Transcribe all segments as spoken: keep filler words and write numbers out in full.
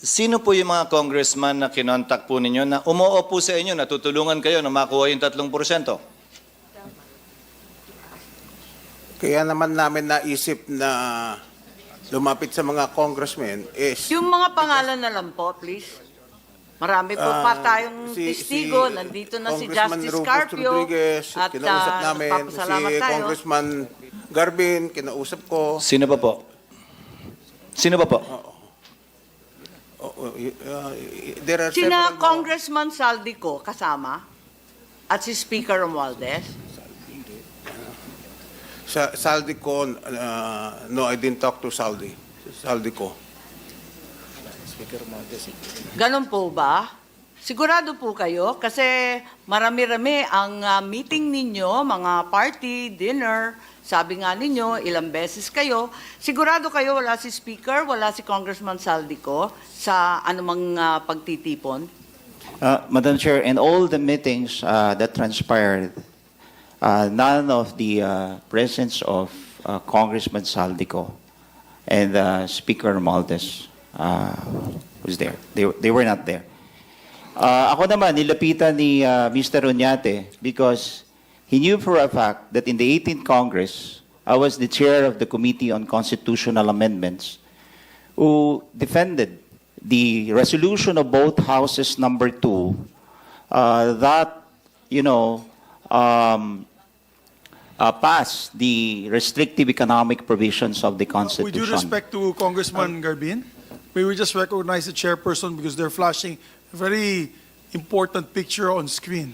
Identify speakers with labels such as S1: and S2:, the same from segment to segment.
S1: Sino po yung mga congressman na kinontak po ninyo na umoo po sa inyo, natutulungan kayo na makuha yung tatlong porsyento?
S2: Kaya naman namin naisip na lumapit sa mga congressmen is
S3: Yung mga pangalan na lang po, please. Marami po pa
S2: Ah,
S3: tayong
S2: si-
S3: testigo.
S2: si
S3: Nandito na si
S2: Congressman
S3: Justice
S2: Rufus
S3: Carpio.
S2: Rodriguez,
S3: At
S2: kinausap
S3: uh,
S2: namin.
S3: nagpapasalamat
S2: Si
S3: tayo.
S2: Congressman Garbin, kinausap ko.
S1: Sino pa po? Sino pa po?
S2: Oh, oh, y- uh, y- there are
S3: Sina
S2: several more.
S3: Congressman Saldico kasama at si Speaker Romualdez.
S2: Sa Saldico, uh, no, I didn't talk to Saldi. Saldico.
S3: Ganon po ba? Sigurado po kayo kasi marami-rami ang uh, meeting ninyo, mga party, dinner. Sabi nga ninyo, ilang beses kayo. Sigurado kayo wala si Speaker, wala si Congressman Saldico sa anumang uh, pagtitipon?
S4: Uh, Madam Chair, in all the meetings uh, that transpired, uh, none of the uh, presence of uh, Congressman Saldico and uh, Speaker Maldes uh, was there. They, they were not there. Uh, ako naman, nilapitan ni uh, Mister Oñate because he knew for a fact that in the eighteenth Congress, I was the chair of the Committee on Constitutional Amendments who defended the resolution of both houses number two uh, that, you know, um, uh, passed the restrictive economic provisions of the Constitution.
S5: With due respect to Congressman Garbin, may we just recognize the chairperson because they're flashing a very important picture on screen.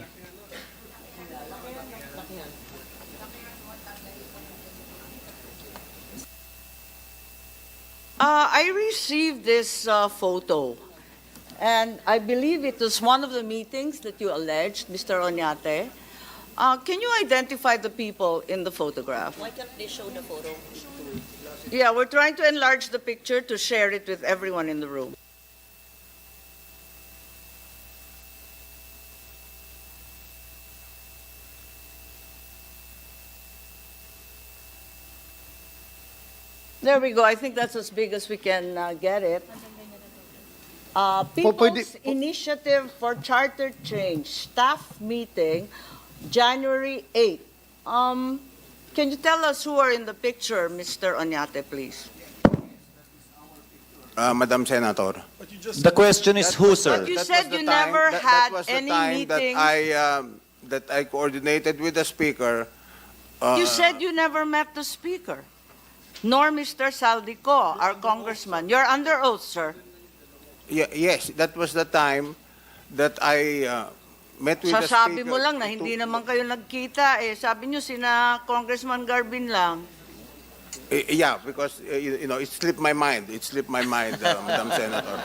S3: Uh, I received this uh, photo, and I believe it was one of the meetings that you alleged, Mister Oñate. Uh, can you identify the people in the photograph?
S6: Why can't they show the photo?
S3: Yeah, we're trying to enlarge the picture to share it with everyone in the room. There we go. I think that's as big as we can uh, get it. Uh, People's Initiative for Charter Change, staff meeting, January eighth. Um, can you tell us who are in the picture, Mister Oñate, please?
S2: Uh, Madam Senator.
S5: But you just
S1: The question is who, sir?
S3: You
S2: That
S3: said
S2: was the
S3: you
S2: time-
S3: never
S2: that-
S3: had
S2: that was the
S3: any
S2: time
S3: meetings.
S2: That I, um, that I coordinated with the Speaker. Uh,
S3: You said you never met the Speaker, nor Mister Saldico, our congressman. You're under oath, sir.
S2: Ye- yes, that was the time that I uh, met with the Speaker.
S3: Sasabi mo lang na
S2: to-
S3: hindi naman kayo nagkita. Eh, sabi nyo sina Congressman Garbin lang.
S2: Eh, Yeah, because, uh, you you know, it slipped my mind. It slipped my mind, uh, Madam Senator.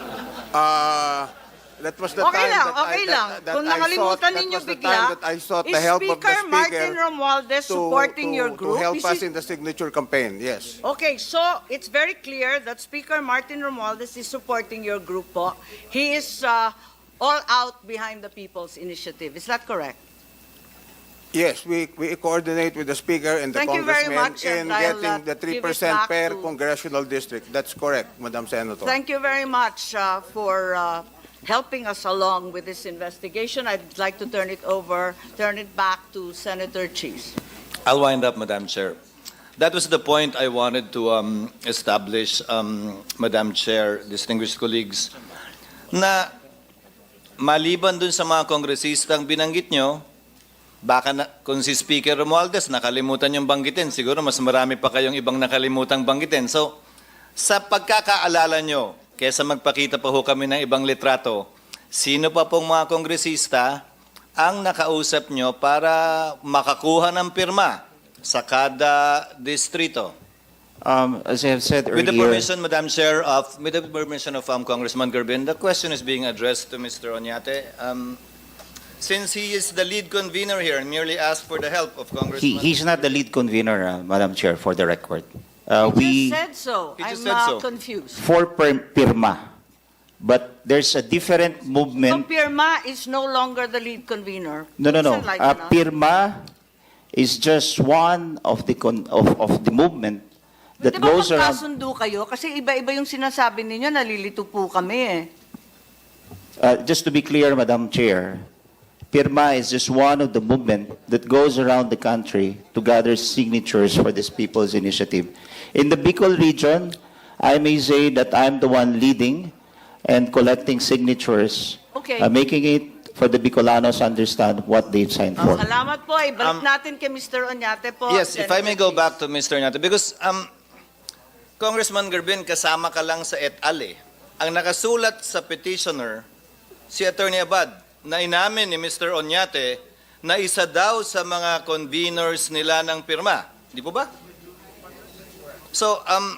S2: Uh, that was the
S3: Okay
S2: time
S3: lang,
S2: that I,
S3: okay
S2: that,
S3: lang.
S2: that
S3: Kung
S2: I sought,
S3: nakalimutan
S2: that
S3: ninyo
S2: was the
S3: bigla,
S2: time that I sought the
S3: is
S2: help of the
S3: Speaker Martin
S2: Speaker
S3: Romualdez
S2: to,
S3: supporting
S2: to,
S3: your group?
S2: to help
S3: Is
S2: us
S3: he-
S2: in the signature campaign, yes.
S3: Okay, so it's very clear that Speaker Martin Romualdez is supporting your group po. He is uh, all out behind the People's Initiative. Is that correct?
S2: Yes, we, we coordinate with the Speaker and the
S3: Thank you very
S2: Congressman
S3: much,
S2: in
S3: and I'll,
S2: getting
S3: uh,
S2: the
S3: give
S2: three
S3: it
S2: percent
S3: back
S2: per
S3: to-
S2: congressional district. That's correct, Madam Senator.
S3: Thank you very much uh, for uh, helping us along with this investigation. I'd like to turn it over, turn it back to Senator Cheese.
S1: I'll wind up, Madam Chair. That was the point I wanted to um, establish, um, Madam Chair, distinguished colleagues, na maliban dun sa mga kongresistang binanggit nyo, baka na, kung si Speaker Romualdez nakalimutan yung banggitin, siguro mas marami pa kayong ibang nakalimutang banggitin. So, sa pagkakaalala nyo, kesa magpakita pa ho kami ng ibang litrato, sino pa pong mga kongresista ang nakausap nyo para makakuha ng pirma sa kada distrito?
S4: Um, as I have said
S1: With the
S4: earlier,
S1: permission, Madam Chair, of with the permission of um, Congressman Garbin, the question is being addressed to Mister Oñate. Um, since he is the lead convener here and merely asked for the help of
S4: he,
S1: Congressman...
S4: he's not the lead convener, uh, Madam Chair, for the record. Uh,
S3: He
S4: we
S3: just said so.
S1: He just
S3: I'm
S1: said
S3: uh,
S1: so.
S3: confused.
S4: for per- pirma, but there's a different
S3: So
S4: movement.
S3: Pirma is no longer the lead convener.
S4: No, no, no.
S3: Please enlighten
S4: Uh,
S3: us.
S4: pirma is just one of the con- of, of the movement that
S3: Di ba
S4: goes around.
S3: magkasundo kayo? Kasi iba-iba yung sinasabi ninyo, nalilito po kami eh.
S4: Uh, just to be clear, Madam Chair, Pirma is just one of the movement that goes around the country to gather signatures for this people's initiative. In the Bicol region, I may say that I'm the one leading and collecting signatures,
S3: Okay.
S4: uh, making it for the Bicolanos understand what they've signed for.
S3: Salamat po. Ibalik
S1: Um,
S3: natin kay Mister Oñate po.
S1: Yes, if I may go
S3: Senator
S1: back to Mister Nato, because um, Congressman Garbin, kasama ka lang sa et al. Eh. Ang nakasulat sa petitioner, si Attorney Abad, na inamin ni Mister Oñate na isa daw sa mga conveners nila ng pirma. Di po ba? So, um,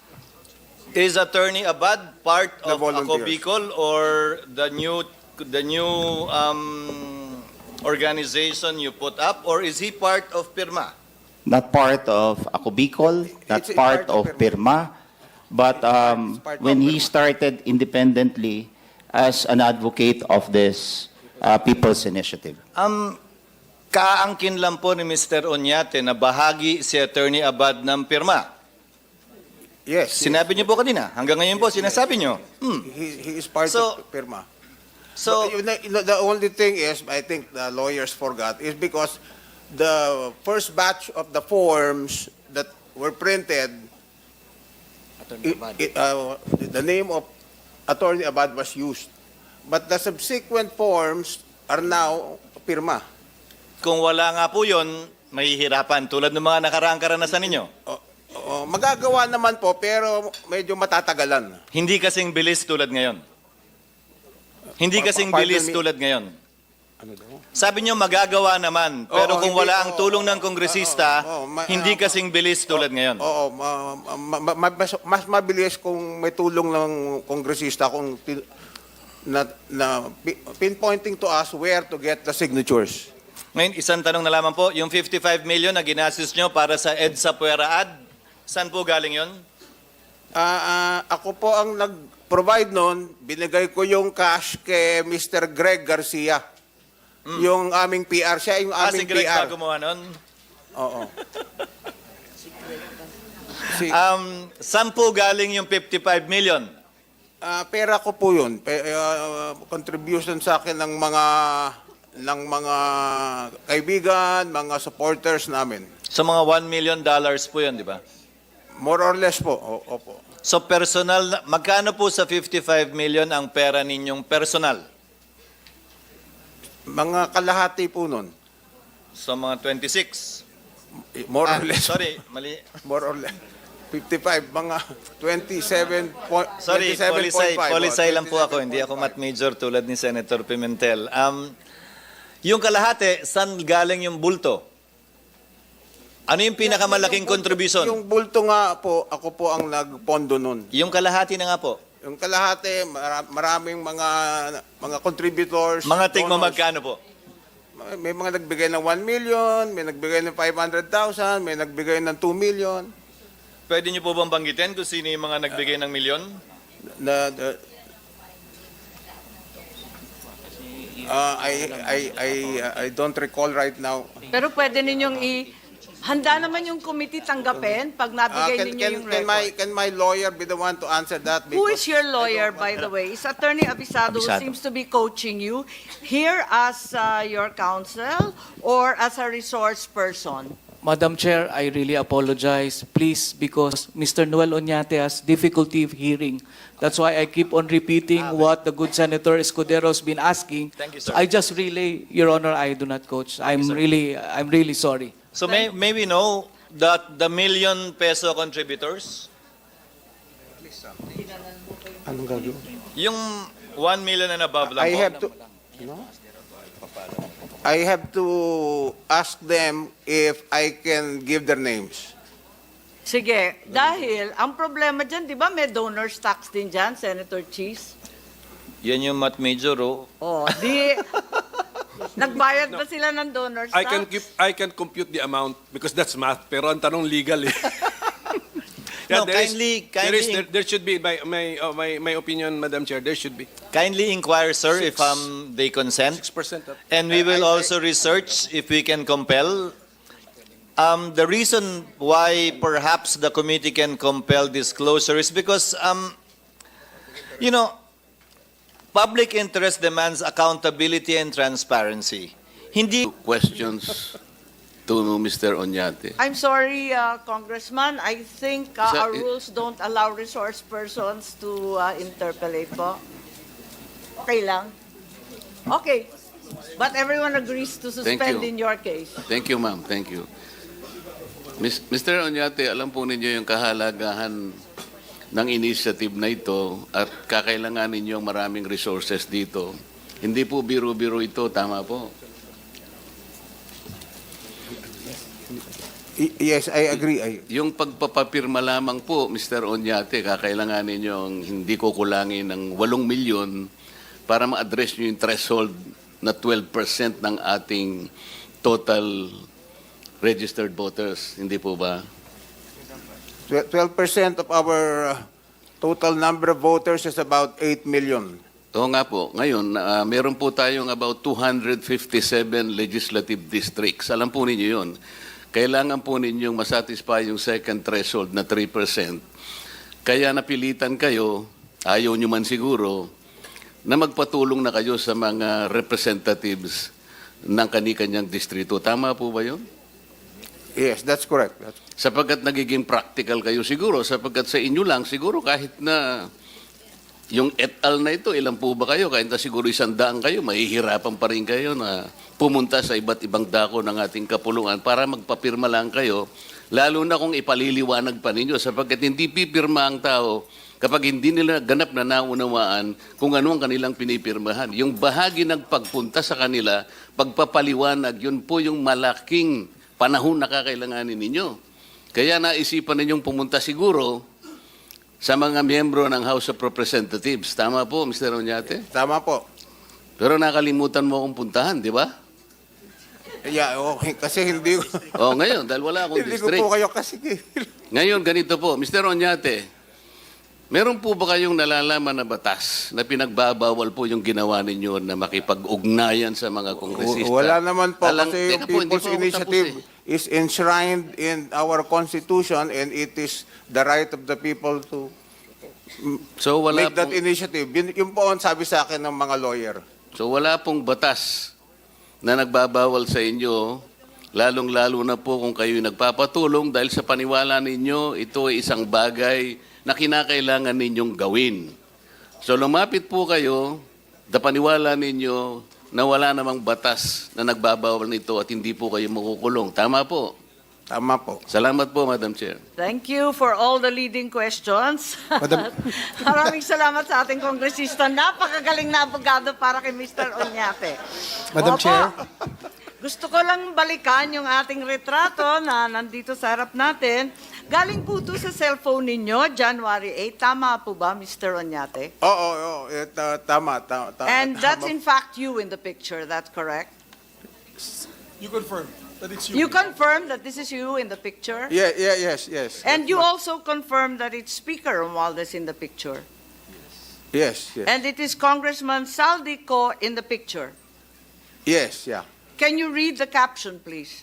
S1: is Attorney Abad part
S2: The
S1: of
S2: volunteers.
S1: Ako Bicol or the new the new um, organization you put up, or is he part of pirma?
S4: Not part of Ako Bicol, not
S2: It's a
S4: part
S2: part of
S4: of Pirma, but um,
S2: It's part of
S4: when he
S2: Pirma.
S4: started independently as an advocate of this uh, people's initiative.
S1: Um, kaangkin lang po ni Mister Oñate na bahagi si Attorney Abad ng pirma.
S2: Yes.
S1: Sinabi niyo po kanina, hanggang ngayon po sinasabi niyo. Hmm.
S2: He, he is part
S1: So-
S2: of Pirma.
S1: So,
S2: But, you know, you know, the only thing is, I think the lawyers forgot, is because the first batch of the forms that were printed, it, it, uh, the name of Attorney Abad was used. But the subsequent forms are now Pirma.
S1: kung wala nga po yun, mahihirapan tulad ng mga nakaraang karanasan ninyo.
S2: O- o, magagawa naman po, pero medyo matatagalan.
S1: Hindi kasing bilis tulad ngayon. Hindi
S2: Pa-
S1: kasing
S2: pardon
S1: bilis
S2: me.
S1: tulad ngayon.
S2: Ano daw?
S1: Sabi niyo magagawa naman, pero
S2: Oo,
S1: kung
S2: hindi,
S1: wala ang
S2: oo,
S1: tulong ng
S2: oo,
S1: kongresista,
S2: oo, oo, ma-
S1: hindi
S2: ah,
S1: kasing bilis tulad ngayon.
S2: Oo, ma- ma- ma- ma- mas, mas mabilis kung may tulong ng kongresista kung tin- na, na pi- pinpointing to us where to get the signatures.
S1: Ngayon, isang tanong na lamang po, yung fifty-five million na ginastos nyo para sa EDSA Puera Ad, saan po galing yon?
S2: Ah, ah, ako po ang nag-provide noon, binigay ko yung cash kay Mister Greg Garcia. Yung aming P R, siya yung
S1: Ah, si
S2: aming
S1: Greg
S2: P
S1: pa
S2: R.
S1: gumawa nun?
S2: Oo. Si,
S1: Um, saan po galing yung fifty-five million?
S2: ah, pera ko po yun. Pe, ah, contribution sa akin ng mga ng mga kaibigan, mga supporters namin.
S1: So mga one million dollars po yun, di ba?
S2: More or less po. O, opo.
S1: So personal, na- magkano po sa fifty-five million ang pera ninyong personal?
S2: Mga kalahati po nun.
S1: So mga twenty-six.
S2: More
S1: Ah,
S2: or less.
S1: sorry, mali.
S2: More or less. fifty-five, mga twenty-seven point
S1: Sorry, polisay, polisay lang po ako. Hindi ako
S2: mat.
S1: math major tulad ni Senator Pimentel. Um, yung kalahati, saan galing yung bulto? Ano yung pinakamalaking contribution?
S2: Yung bulto nga po, ako po ang nagpondo nun.
S1: Yung kalahati na nga po.
S2: Yung kalahati, mara- maraming mga mga contributors.
S1: Mga tigmo
S2: donors.
S1: magkano po?
S2: May mga nagbigay ng one million, may nagbigay ng five hundred thousand, may nagbigay ng two million.
S1: Pwede niyo po bang banggitin kung sino yung mga nagbigay ng milyon?
S2: Na, na- Ah, I, I, I, I don't recall right now.
S3: Pero pwede ninyong i... Handa naman yung committee tanggapin pag
S2: Ah,
S3: nabigay
S2: can,
S3: ninyo
S2: can,
S3: yung
S2: can,
S3: record.
S2: my, can my lawyer be the one to answer that?
S3: Who is
S2: Because
S3: your
S2: I
S3: lawyer,
S2: don't-
S3: by the way? Is Attorney Abisado, who
S4: Abisado.
S3: seems to be coaching you here as uh, your counsel or as a resource person?
S6: Madam Chair, I really apologize. Please, because Mister Noel Oñate has difficulty hearing. That's why I keep on repeating what the good Senator Escudero's been asking.
S1: Thank you,
S6: So
S1: sir.
S6: I just relay, Your Honor, I do not coach. I'm really, I'm really sorry.
S1: So may, may we know that the million peso contributors,
S2: Anong gagawin?
S1: yung one million and above lang
S2: I
S1: po,
S2: have to, no? I have to ask them if I can give their names.
S3: Sige, dahil ang problema dyan, di ba may donors tax din dyan, Senator Cheese?
S1: yan yung math major, oh.
S3: Oh, di... Nagbayad ba sila ng donors tax?
S7: I can keep I can compute the amount because that's math pero ang tanong legal eh.
S1: No,
S7: there is-
S1: kindly-
S7: there, is,
S1: kindly-
S7: there, there should be my my, uh, my my opinion, Madam Chair, there should be
S1: Kindly inquire, sir, if
S7: Six.
S1: um, they consent.
S7: six percent.
S1: And we will
S2: I- I-
S1: also research if we can compel Um, the reason why perhaps the committee can compel disclosure is because, um, you know, public interest demands accountability and transparency. Hindi
S8: Questions to Mister Oñate.
S3: I'm sorry, uh, Congressman. I think uh,
S8: Sir,
S3: our
S8: i-
S3: rules don't allow resource persons to uh, interpellate po. Okay lang? Okay. But everyone agrees to
S8: Thank
S3: suspend
S8: you.
S3: in your case.
S8: Thank you, ma'am. Thank you. Mis- Mister Oñate, alam po ninyo yung kahalagahan ng initiative na ito at kakailanganin niyo maraming resources dito. Hindi po biro-biro ito, tama po.
S2: Y- Yes, I agree. I,
S8: Yung pagpapapirma lamang po, Mister Oñate, kakailanganin niyo ang hindi ko kulangin ng walong milyon para ma-address niyo yung threshold na twelve percent ng ating total registered voters. Hindi po ba?
S2: twelve percent of our uh, total number of voters is about eight million.
S8: Oo nga po. Ngayon, ah, meron po tayong about two hundred fifty-seven legislative districts. Alam po ninyo yun. Kailangan po ninyong masatisfy yung second threshold na three percent. Kaya napilitan kayo, ayaw nyo man siguro, na magpatulong na kayo sa mga representatives ng kani-kanyang distrito. Tama po ba yun?
S2: Yes, that's correct. That's,
S8: Sapagkat nagiging practical kayo siguro, sapagkat sa inyo lang, siguro kahit na yung et al na ito, ilan po ba kayo? Kahit na siguro isang daan kayo, mahihirapan pa rin kayo na pumunta sa iba't ibang dako ng ating kapulungan para magpapirma lang kayo, lalo na kung ipaliliwanag pa ninyo, sapagkat hindi pipirma ang tao kapag hindi nila ganap na naunawaan kung ano ang kanilang pinipirmahan. Yung bahagi ng pagpunta sa kanila, pagpapaliwanag, yun po yung malaking panahon na kakailanganin ninyo. Kaya naisipan ninyong pumunta siguro sa mga miyembro ng House of Representatives. Tama po, Mister Oñate?
S2: tama po.
S8: Pero nakalimutan mo akong puntahan, di ba?
S2: Yeah, okay. Kasi hindi ko,
S8: O ngayon, dahil wala akong
S2: hindi ko
S8: district.
S2: po kayo kasi.
S8: Ngayon, ganito po, Mister Oñate, meron po ba kayong nalalaman na batas na pinagbabawal po yung ginawa ninyo na makipag-ugnayan sa mga kongresista?
S2: Wala naman po
S8: Alang-
S2: kasi yung
S8: Teka po, hindi
S2: People's
S8: po ako
S2: Initiative
S8: tapos eh.
S2: is enshrined in our Constitution and it is the right of the people to
S8: So wala
S2: make that
S8: pong,
S2: initiative. Yun, yun po ang sabi sa akin ng mga lawyer.
S8: so wala pong batas na nagbabawal sa inyo, lalong-lalo na po kung kayo nagpapatulong dahil sa paniwala ninyo, ito ay isang bagay na kinakailangan ninyong gawin. So lumapit po kayo, dapaniwala ninyo na wala namang batas na nagbabawal nito at hindi po kayo makukulong. Tama po.
S2: Tama po.
S8: Salamat po, Madam Chair.
S3: Thank you for all the leading questions. Maraming salamat sa ating kongresista. Napakagaling na abogado para kay Mister Oñate.
S5: Madam
S3: Opo.
S5: Chair.
S3: Gusto ko lang balikan yung ating retrato na nandito sa harap natin. Galing po ito sa cellphone ninyo, January eighth. Tama po ba, Mister Oñate?
S2: Oo, oo, oo. Eh, ta- tama, ta- ta-
S3: And that's
S2: tama.
S3: in fact you in the picture, that's correct?
S5: You confirm that it's you.
S3: You confirm that this is you in the picture?
S2: Yeah, yeah, yes, yes.
S3: And you also confirm that it's Speaker Romualdez in the picture?
S2: Yes, yes.
S3: And it is Congressman Saldico in the picture?
S2: Yes, yeah.
S3: Can you read the caption, please?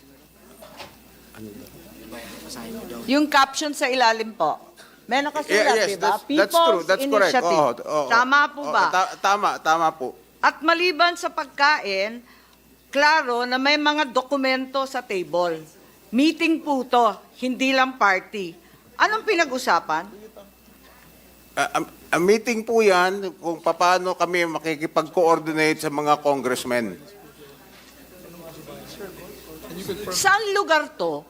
S3: Yung caption sa ilalim po. May
S2: Yeah,
S3: nakasulat,
S2: yes,
S3: di ba?
S2: that's, that's true.
S3: People's
S2: That's correct.
S3: Initiative.
S2: Oo, oo,
S3: Tama po
S2: oo,
S3: ba?
S2: ta- tama, tama po.
S3: At maliban sa pagkain, klaro na may mga dokumento sa table. Meeting po to, hindi lang party. Anong pinag-usapan?
S2: Uh, a, a meeting po yan kung paano kami makikipag-coordinate sa mga congressmen.
S3: Saan lugar to?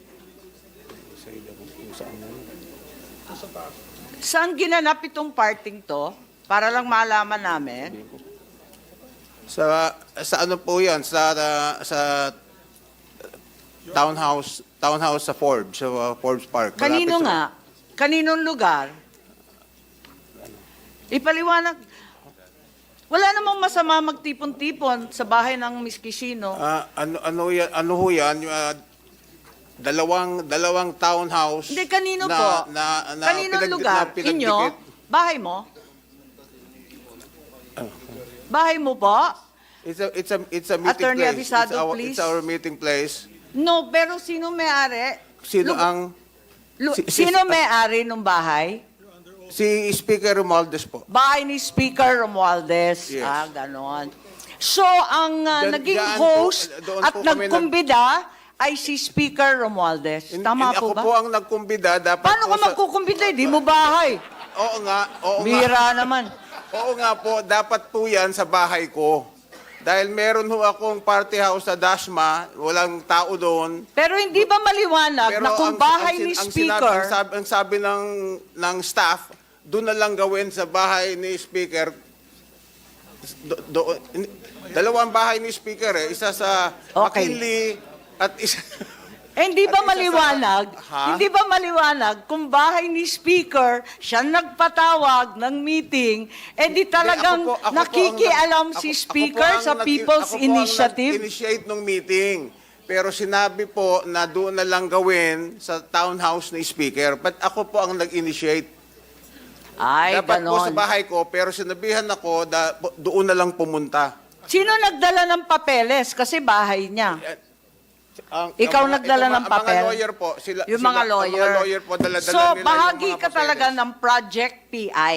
S3: Saan ginanap itong parting to? Para lang malaman namin.
S2: Sa sa ano po yan? Sa uh, sa townhouse townhouse sa Forbes, sa uh, Forbes Park.
S3: Kanino
S2: Malapit sa-
S3: nga? Kaninong lugar? Ipaliwanag. Wala namang masama magtipon-tipon sa bahay ng Miss Kishino.
S2: Ah, ano ano yan? Ano ho yan? Yung, ah, dalawang dalawang townhouse.
S3: Hindi, kanino
S2: na,
S3: po?
S2: Na, na,
S3: Kaninong
S2: pinag-
S3: lugar?
S2: na pinagdikit.
S3: Inyo? Bahay mo? Bahay mo po?
S2: It's a it's a it's a meeting
S3: Attorney
S2: place.
S3: Abisado,
S2: it's our,
S3: please.
S2: It's our meeting place.
S3: No, pero sino may-ari?
S2: Sino
S3: Lu-
S2: ang...
S3: Lu-
S2: si- si-
S3: sino may-ari ng bahay?
S2: Si Speaker Romualdez po.
S3: Bahay ni Speaker Romualdez.
S2: Yes.
S3: Ah, ganon. So, ang uh,
S2: Diyan-
S3: naging
S2: diyan po,
S3: host
S2: doon
S3: at
S2: po kami
S3: nagkumbida ay si Speaker Romualdez.
S2: Hin-
S3: Tama
S2: hin-
S3: po
S2: ako
S3: ba?
S2: po ang nagkumbida. Dapat
S3: Paano
S2: po
S3: ka
S2: sa-
S3: magkukumbida? Di mo bahay.
S2: Oo nga, oo nga.
S3: Bira naman.
S2: Oo nga po, dapat po yan sa bahay ko. Dahil meron ho akong party house sa Dasma, walang tao doon.
S3: Pero hindi ba maliwanag na kung bahay
S2: sin-
S3: ni
S2: ang
S3: Speaker,
S2: Sinabi, ang, sabi, ang sabi ng, ng staff, doon na lang gawin sa bahay ni Speaker. Do, do- in- dalawang bahay ni Speaker eh. Isa sa
S3: Okay.
S2: McKinley at isa...
S3: eh, hindi ba
S2: At isa sa-
S3: maliwanag?
S2: Ha?
S3: Hindi ba maliwanag kung bahay ni Speaker, siya nagpatawag ng meeting, eh di talagang
S2: Hindi, ako po- ako po ang
S3: nakikialam
S2: nag-
S3: si
S2: ako- ako
S3: Speaker
S2: po ang
S3: sa
S2: nag-
S3: People's
S2: ako po ang
S3: Initiative?
S2: nag-initiate ng meeting. Pero sinabi po na doon na lang gawin sa townhouse ni Speaker. But ako po ang nag-initiate.
S3: Ay,
S2: Dapat po sa
S3: ganon.
S2: bahay ko, pero sinabihan ako na doon na lang pumunta.
S3: Sino nagdala ng papeles? Kasi bahay niya.
S2: Ang,
S3: Ikaw
S2: ang mga-
S3: nagdala
S2: ito,
S3: ng
S2: ang
S3: papel?
S2: mga lawyer po. Sila,
S3: Yung
S2: sila-
S3: mga
S2: ang
S3: lawyer.
S2: mga lawyer po, dala-dala
S3: So,
S2: nila yung
S3: bahagi
S2: mga
S3: ka
S2: papeles.
S3: talaga ng Project P I.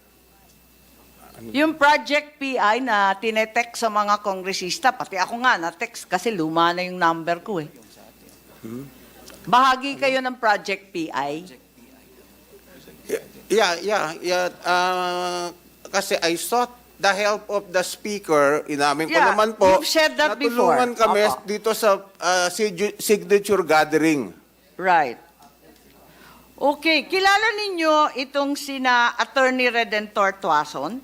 S3: Yung Project P I na tinetext sa mga kongresista, pati ako nga na-text kasi luma na yung number ko eh. Bahagi kayo ng Project P I.
S2: Yeah, yeah, yeah. Uh, kasi I sought the help of the speaker. Inamin ko
S3: Yeah,
S2: naman po.
S3: you've said that
S2: natulungan
S3: before.
S2: kami
S3: Opo.
S2: dito sa uh, sig- signature gathering.
S3: Right. Okay, kilala ninyo itong sina Attorney Redentor Tuason?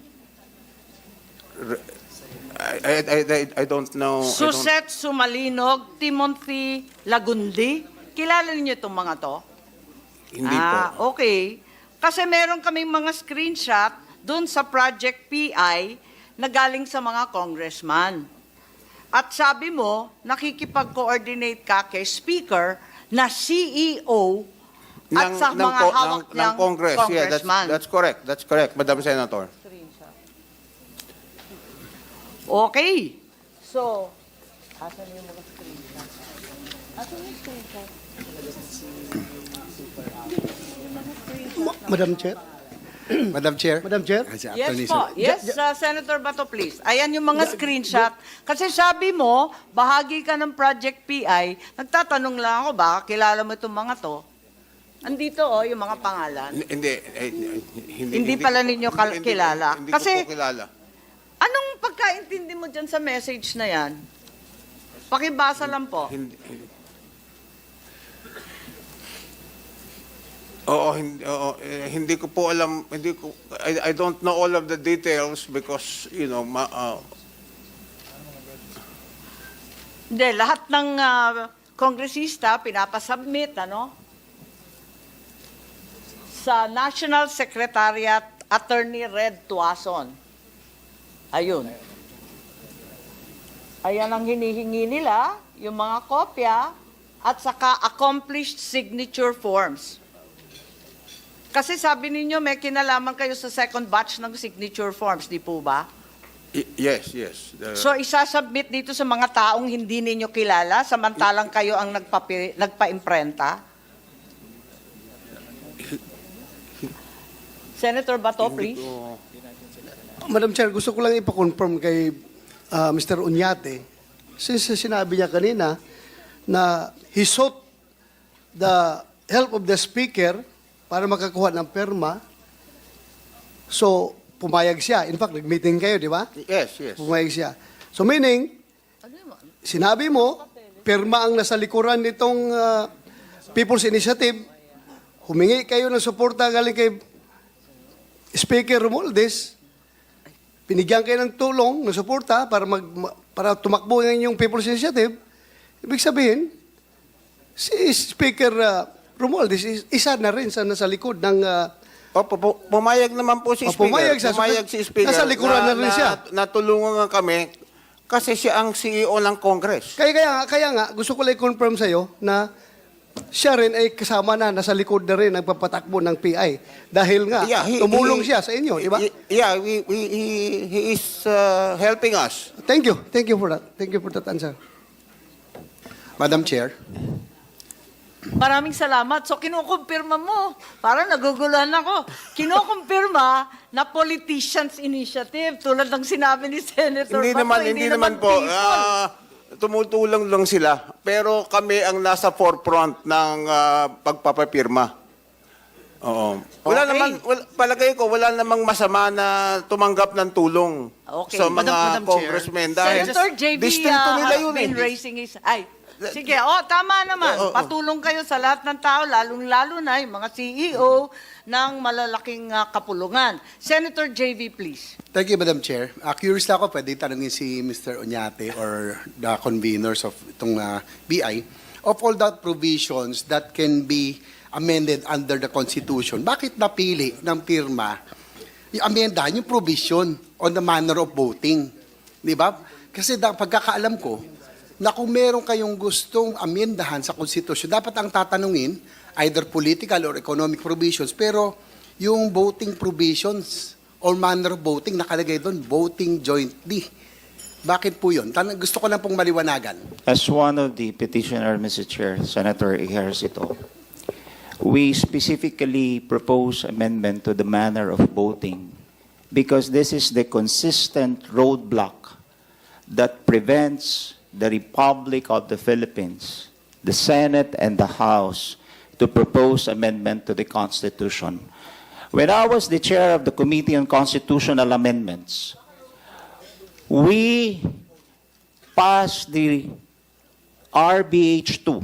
S2: I, I, I, I- I don't know. I don't-
S3: Suset Sumalinog, Timothy Lagundi. Kilala ninyo itong mga to?
S2: Hindi
S3: ah,
S2: po.
S3: okay. Kasi meron kaming mga screenshot doon sa Project P I na galing sa mga congressman. At sabi mo, nakikipag-coordinate ka kay Speaker na C E O at
S2: Ng-
S3: sa
S2: ng
S3: mga
S2: co-
S3: hawak
S2: ng, ng
S3: niyang
S2: Congress. Yeah, that's,
S3: congressman.
S2: that's correct. That's correct, Madam Senator.
S3: Okay. So, asan yung mga screenshot? Asan yung screenshot?
S9: Madam Chair.
S10: Madam Chair.
S9: Madam Chair.
S3: Yes po. Yes, uh, Senator Bato, please. Ayan yung mga screenshot. Kasi sabi mo, bahagi ka ng Project P I. Nagtatanong lang ako, baka kilala mo itong mga to. Andito oh, yung mga pangalan.
S2: Hindi, eh, hindi,
S3: Hindi pala ninyo kal-
S2: hindi-
S3: kilala.
S2: Hindi
S3: Kasi-
S2: ko po kilala.
S3: Anong pagkaintindi mo dyan sa message na yan? Pakibasa lang po.
S2: Hindi, hindi. Oo, hindi, oo, eh, hindi ko po alam, hindi ko, I, I don't know all of the details because, you know, ma, uh,
S3: Hindi, lahat ng ah, kongresista pinapasubmit, ano? Sa National Secretariat Attorney Red Tuason. Ayun. Ayan ang hinihingi nila, yung mga kopya, at saka accomplished signature forms. Kasi sabi ninyo, may kinalaman kayo sa second batch ng signature forms, di po ba?
S2: y- yes, yes. The-
S3: So isasubmit dito sa mga taong hindi ninyo kilala, samantalang kayo ang nagpapi, nagpa-imprenta? Senator Bato,
S2: hindi
S3: please.
S2: ko-
S9: Madam Chair, gusto ko lang ipa-confirm kay uh, Mister Uñate, since sinabi niya kanina na he sought the help of the Speaker para makakuha ng perma. So, pumayag siya. In fact, nag-meeting kayo, di ba?
S2: Yes, yes.
S9: Pumayag siya. So, meaning, sinabi mo, perma ang nasa likuran nitong uh, People's Initiative, humingi kayo ng suporta galing kay Speaker Romualdez, pinigyan kayo ng tulong, ng suporta para, mag, para tumakbo ng inyong People's Initiative, ibig sabihin, si Speaker uh, Romualdez is- isa na rin sa nasa likod ng uh,
S2: Opo, pu- pumayag naman po si
S9: Oh,
S2: Speaker.
S9: pumayag siya. So,
S2: Pumayag si Speaker.
S9: nasa likuran na rin siya.
S2: Natulungan nga kami kasi siya ang C E O ng Congress.
S9: Kaya, kaya, nga- kaya nga, gusto ko lang i-confirm sa'yo na siya rin ay kasama na, nasa likod na rin, nagpapatakbo ng P I. Dahil nga,
S2: Yeah, he-
S9: tumulong
S2: he-
S9: siya sa inyo, di ba?
S2: he- Yeah, we, we, he, he is uh, helping us.
S9: Thank you. Thank you for that. Thank you for that answer. Madam Chair.
S3: Maraming salamat. So, kinukumpirma mo. Parang naguguluhan ako. Kinukumpirma na politicians' initiative tulad ng sinabi ni Senator
S2: Hindi
S3: Bato,
S2: naman, hindi naman po.
S3: people.
S2: Ah, tumutulong lang sila. Pero kami ang nasa forefront ng ah, pagpapapirma. Oo. Wala
S3: Okay.
S2: naman, wala, palagay ko, wala namang masama na tumanggap ng tulong
S3: Okay.
S2: sa mga
S10: Madam- Madam Chair.
S2: congressmen. Dahil
S3: Senator J B
S2: distinto
S3: uh,
S2: nila
S3: has
S2: yun
S3: been
S2: eh.
S3: raising his... Ay, sige. Oh, tama naman.
S2: Oo, oo.
S3: Patulong kayo sa lahat ng tao, lalong-lalo na yung mga C E O ng malalaking uh, kapulungan. Senator J V, please.
S10: Thank you, Madam Chair. Uh, curious lang ako, pwede tanungin si Mister Oñate or the conveners of itong uh, B I. Of all the provisions that can be amended under the Constitution, bakit napili ng pirma yung amendahan yung provision on the manner of voting? Di ba? Kasi da, pagkakaalam ko, na kung meron kayong gustong amendahan sa Constitution, dapat ang tatanungin, either political or economic provisions, pero yung voting provisions or manner of voting, nakalagay doon, voting jointly. Bakit po yun? Tan- gusto ko lang pong maliwanagan.
S4: As one of the petitioner, Mister Chair, Senator Ejercito, we specifically propose amendment to the manner of voting because this is the consistent roadblock that prevents the Republic of the Philippines, the Senate and the House, to propose amendment to the Constitution. When I was the chair of the Committee on Constitutional Amendments, we passed the R B H two.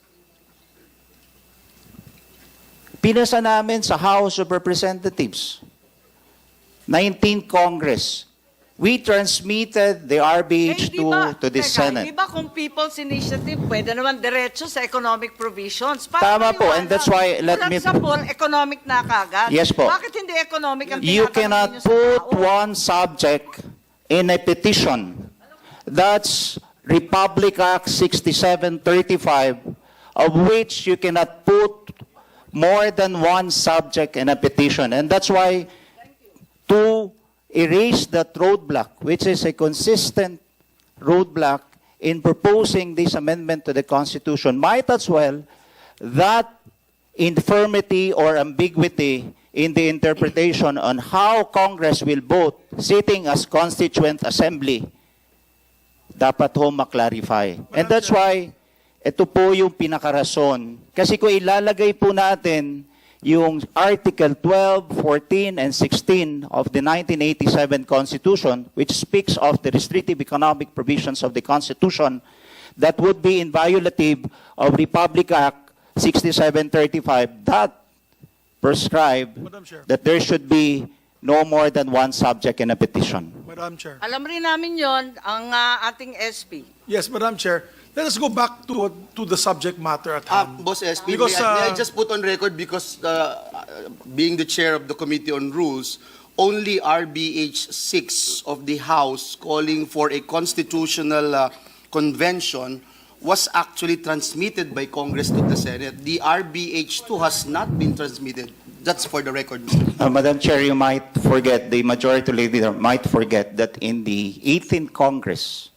S4: Pinasa namin sa House of Representatives, nineteenth Congress. We transmitted the R B H two to the
S3: Teka,
S4: Senate.
S3: Di ba kung people's initiative, pwede naman diretso sa economic provisions?
S4: Tama po, and that's why, let me-
S3: Sa poll, economic na kagad.
S4: Yes po.
S3: Bakit hindi economic ang
S4: You
S3: tinatanong
S4: cannot
S3: ninyo sa
S4: put
S3: tao?
S4: one subject in a petition. That's Republic Act sixty-seven thirty-five, of which you cannot put more than one subject in a petition. And that's why, to erase that roadblock, which is a consistent roadblock in proposing this amendment to the Constitution, might as well that infirmity or ambiguity in the interpretation on how Congress will vote sitting as Constituent Assembly, dapat ho maklarify. And that's why, ito po yung pinakarason. Kasi kung ilalagay po natin yung Article twelve, fourteen, and sixteen of the nineteen eighty-seven Constitution, which speaks of the restrictive economic provisions of the Constitution, that would be inviolative of Republic Act sixty-seven thirty-five, that prescribe
S5: Madam Chair.
S4: that there should be no more than one subject in a petition.
S5: Madam Chair.
S3: Alam rin namin yon ang uh, ating S P.
S5: Yes, Madam Chair. Let us go back to to the subject matter at
S11: Uh,
S5: hand.
S11: Boss S P,
S5: Because,
S11: may, I, may I
S5: uh,
S11: just put on record because uh, being the chair of the Committee on Rules, only R B H six of the House calling for a constitutional uh, convention was actually transmitted by Congress to the Senate. The R B H two has not been transmitted. That's for the record, Mister
S4: Uh, Madam Chair, you might forget, the majority leader might forget that in the eighteenth Congress,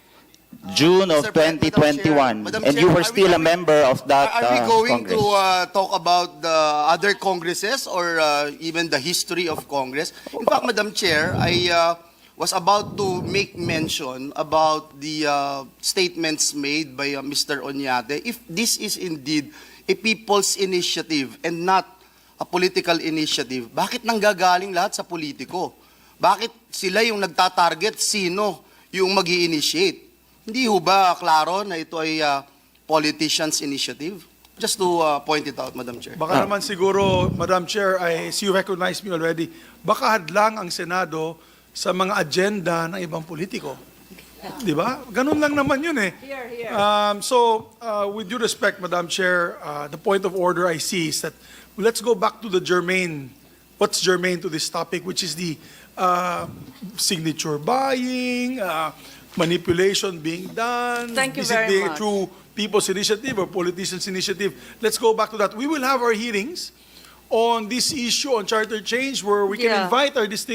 S4: June of
S11: Mister Pre-
S4: twenty twenty-one,
S11: Madam Chair,
S4: and you
S11: Madam
S4: were
S11: Chair,
S4: still
S11: are
S4: a
S11: we-
S4: member of that
S11: Are, are we
S4: uh,
S11: going
S4: Congress.
S11: to uh, talk about the other Congresses or uh, even the history of Congress? In fact, Madam Chair, I uh, was about to make mention about the uh, statements made by uh, Mister Oñate. If this is indeed a people's initiative and not a political initiative, bakit nanggagaling lahat sa politiko? Bakit sila yung nagtatarget sino yung mag-i-initiate? Hindi ho ba klaro na ito ay uh, politician's initiative? Just to uh, point it out, Madam Chair.
S5: Baka naman siguro, Madam Chair, I see you recognize me already, baka hadlang ang Senado sa mga agenda ng ibang politiko. Di ba? Ganun lang naman yun eh.
S3: Here, here.
S5: Um, so, uh, with due respect, Madam Chair, uh, the point of order I see is that let's go back to the germane, what's germane to this topic, which is the uh, signature buying, uh, manipulation being done.
S3: Thank you
S5: is
S3: very
S5: it the,
S3: much.
S5: through people's initiative or politicians' initiative? Let's go back to that. We will have our hearings on this issue on charter change where we can
S3: Yeah.
S5: invite our distinguished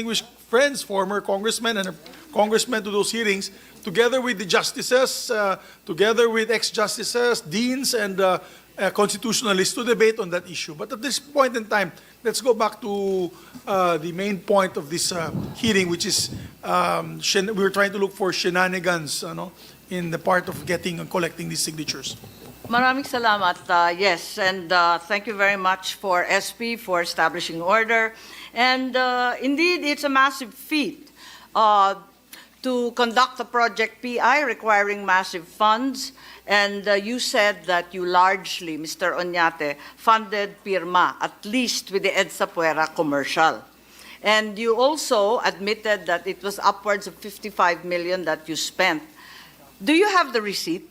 S5: friends, former congressmen and congressmen to those hearings, together with the justices, uh, together with ex-justices, deans, and uh, uh, constitutionalists to debate on that issue. But at this point in time, let's go back to uh, the main point of this uh, hearing, which is um, shen- we were trying to look for shenanigans ano, in the part of getting and collecting these signatures.
S3: Maraming salamat. Uh, yes, and uh, thank you very much for S P for establishing order. And uh, indeed, it's a massive feat uh, to conduct a project P I requiring massive funds. And uh, you said that you largely, Mister Oñate, funded Pirma, at least with the EDSA Puera commercial. And you also admitted that it was upwards of fifty-five million that you spent. Do you have the receipt?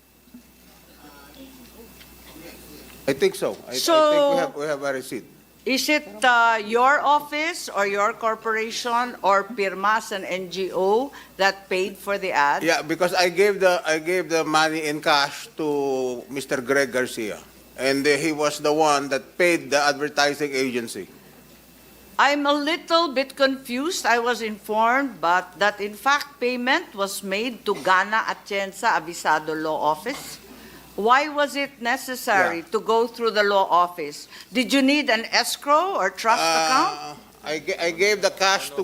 S2: I think so. I, I
S3: So-
S2: think we have, we have a receipt.
S3: Is it uh, your office or your corporation or Pirmas, an N G O, that paid for the ad?
S2: Yeah, because I gave the I gave the money in cash to Mister Greg Garcia, and uh, he was the one that paid the advertising agency.
S3: I'm a little bit confused. I was informed, but that in fact payment was made to Gana Atienza Avisado Law Office. Why was it necessary
S2: Yeah.
S3: to go through the law office? Did you need an escrow or trust account?
S2: Uh, I, ga- I gave the cash to.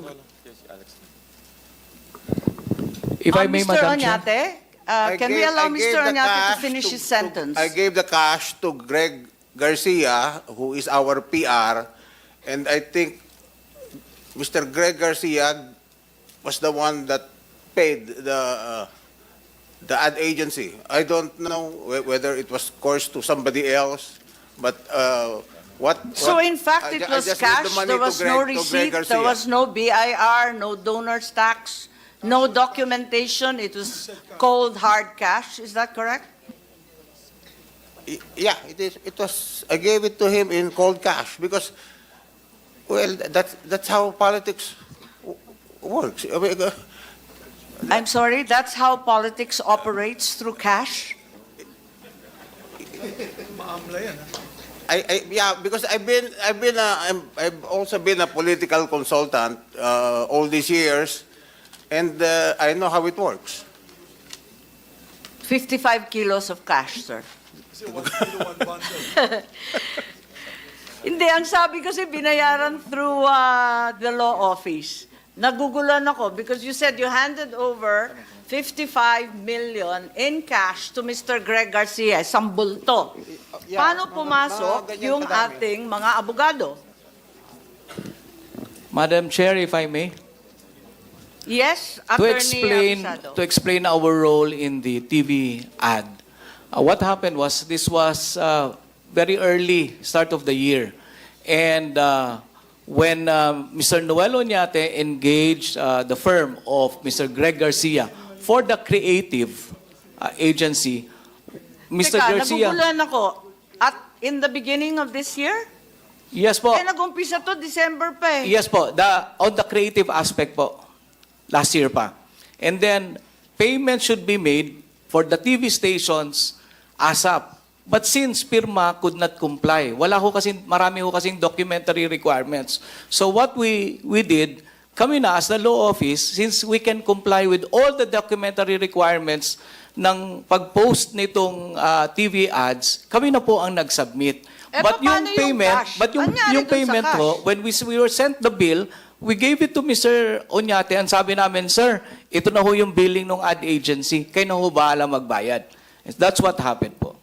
S6: If
S3: Uh,
S6: I may,
S3: Mister
S6: Madam Chair.
S3: Oñate, uh,
S2: I
S3: can we
S2: gave-
S3: allow
S2: I
S3: Mister
S2: gave the
S3: Oñate to
S2: cash
S3: finish
S2: to-
S3: his
S2: to-
S3: sentence?
S2: I gave the cash to Greg Garcia, who is our P R, and I think Mister Greg Garcia was the one that paid the uh, the ad agency. I don't know whe- whether it was coursed to somebody else, but uh, what?
S3: So
S2: what-
S3: in fact,
S2: I
S3: it
S2: ju- I
S3: was
S2: just gave the
S3: cash,
S2: money
S3: there
S2: to
S3: was
S2: Greg-
S3: no
S2: to Greg
S3: receipt, there
S2: Garcia.
S3: was no B I R, no donor's tax, no documentation, it was cold, hard cash, is that correct?
S2: Y- Yeah, it is. It was. I gave it to him in cold cash because, well, that's that's how politics w- works. I mean, uh,
S3: I'm sorry, that's how politics operates, through cash?
S5: Maamla yan, ah.
S2: I, I yeah, because I've been I've been a, I'm, I've also been a political consultant uh, all these years, and uh, I know how it works.
S3: fifty-five kilos of cash, sir.
S5: Kasi one kilo, one bundle.
S3: Hindi, ang sabi kasi binayaran through uh, the law office. Nagugulan ako because you said you handed over fifty-five million in cash to Mister Greg Garcia, isang bulto.
S2: Yeah,
S3: Paano
S2: mga-
S3: pumasok
S2: mga ganyan
S3: yung
S2: kadami.
S3: ating mga abogado?
S6: Madam Chair, if I may.
S3: Yes,
S6: To
S3: Attorney
S6: explain,
S3: Abisado.
S6: to explain our role in the T V ad. Uh, what happened was, this was uh, very early, start of the year. And uh, when uh, Mister Noel Oñate engaged uh, the firm of Mister Greg Garcia for the creative uh, agency, Mister
S3: Teka,
S6: Garcia...
S3: nagugulan ako. At in the beginning of this year?
S6: Yes po.
S3: Eh, nag-umpisa to December pa eh.
S6: Yes po, the, on the creative aspect po, last year pa. And then, payment should be made for the T V stations ASAP. But since Pirma could not comply, wala ho kasi, marami ho kasing documentary requirements. So what we, we did, kami na as the law office, since we can comply with all the documentary requirements ng pag-post nitong uh, T V ads, kami na po ang nag-submit.
S3: Eh,
S6: But yung
S3: paano yung
S6: payment,
S3: cash?
S6: but yung,
S3: Anyari
S6: yung
S3: dun sa
S6: payment
S3: cash?
S6: ho, when we, we were sent the bill, we gave it to Mister Oñate and sabi namin, Sir, ito na ho yung billing ng ad agency. Kayo na ho bahala magbayad. That's what happened po.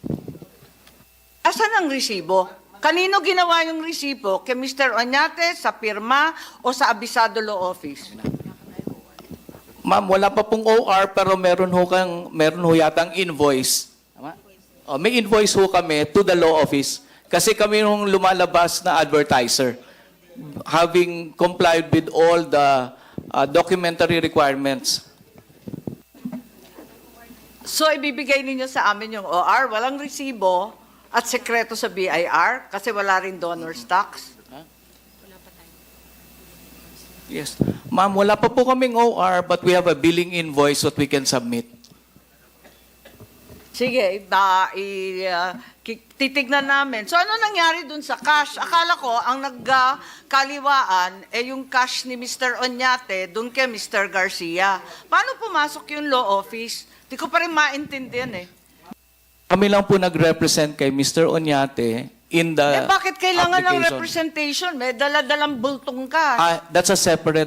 S3: Asan ang resibo? Kanino ginawa yung resibo? Kay Mister Oñate, sa Pirma, o sa Abisado Law Office?
S6: Ma'am, wala pa pong O R pero meron ho kang meron ho yatang invoice. Tama? Oh, may invoice ho kami to the law office kasi kami nung lumalabas na advertiser having complied with all the uh, documentary requirements.
S3: So, ibibigay ninyo sa amin yung O R, walang resibo, at sekreto sa B I R, kasi wala rin donor's tax.
S6: Yes. Ma'am, wala pa po kaming O R but we have a billing invoice that we can submit.
S3: Sige, ba, i, uh, ki- titignan namin. So ano nangyari dun sa cash? Akala ko ang nagkaliwaan eh yung cash ni Mister Oñate dun kay Mister Garcia. Paano pumasok yung law office? Di ko pa rin maintindihan eh.
S6: Kami lang po nag-represent kay Mister Oñate in the
S3: Eh bakit kailangan ng
S6: application.
S3: representation? May dala-dalang bultong cash.
S6: Ah, that's a separate